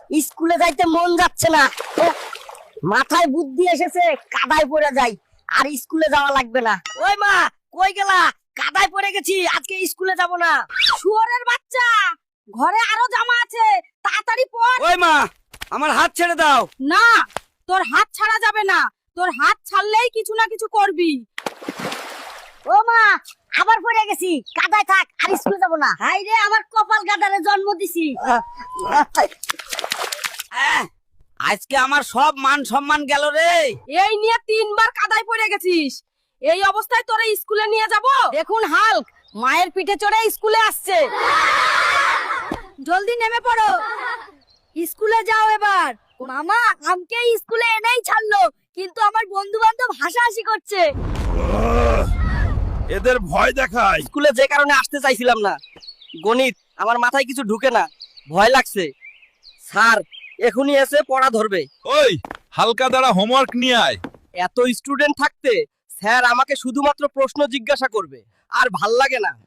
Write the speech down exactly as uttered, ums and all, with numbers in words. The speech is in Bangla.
স্কুলে যাইতে মন যাচ্ছে না। এহ, মাথায় বুদ্ধি এসেছে, কাদায় পড়ে যাই, আর স্কুলে যাওয়া লাগবে না। ওই মা, কই গেলা? কাদায় পড়ে গেছি, আজকে স্কুলে যাব না। শুয়োরের বাচ্চা, ঘরে আরো জামা আছে, তাড়াতাড়ি পড়। ওই মা, আমার হাত ছেড়ে দাও। না, তোর হাত ছাড়া যাবে না, তোর হাত ছাড়লেই কিছু না কিছু করবি। ও মা, আবার পড়ে গেছি, কাদায় থাক, আর স্কুলে যাব না। হাই রে, আমার কপাল গাদারে জন্ম দিছি। আহ, আজকে আমার সব মান সম্মান গেল রে। এই নিয়ে তিনবার কাদায় পড়ে গেছিস, এই অবস্থায় তোরে স্কুলে নিয়ে যাব? দেখুন হাল্ক, মায়ের পিঠে চড়ে স্কুলে আসছে। জলদি নেমে পড়ো, স্কুলে যাও এবার। মামা আমাকে স্কুলে এনেই ছাড়লো, কিন্তু আমার বন্ধু বান্ধব হাসাহাসি করছে। এদের ভয় দেখায়। স্কুলে যে কারণে আসতে চাইছিলাম না, গণিত আমার মাথায় কিছু ঢুকে না, ভয় লাগছে। স্যার এখনই এসে পড়া ধরবে। ওই হালকা দ্বারা হোমওয়ার্ক নিয়ে আয়। এত স্টুডেন্ট থাকতে স্যার আমাকে শুধুমাত্র প্রশ্ন জিজ্ঞাসা করবে, আর ভাল লাগে না।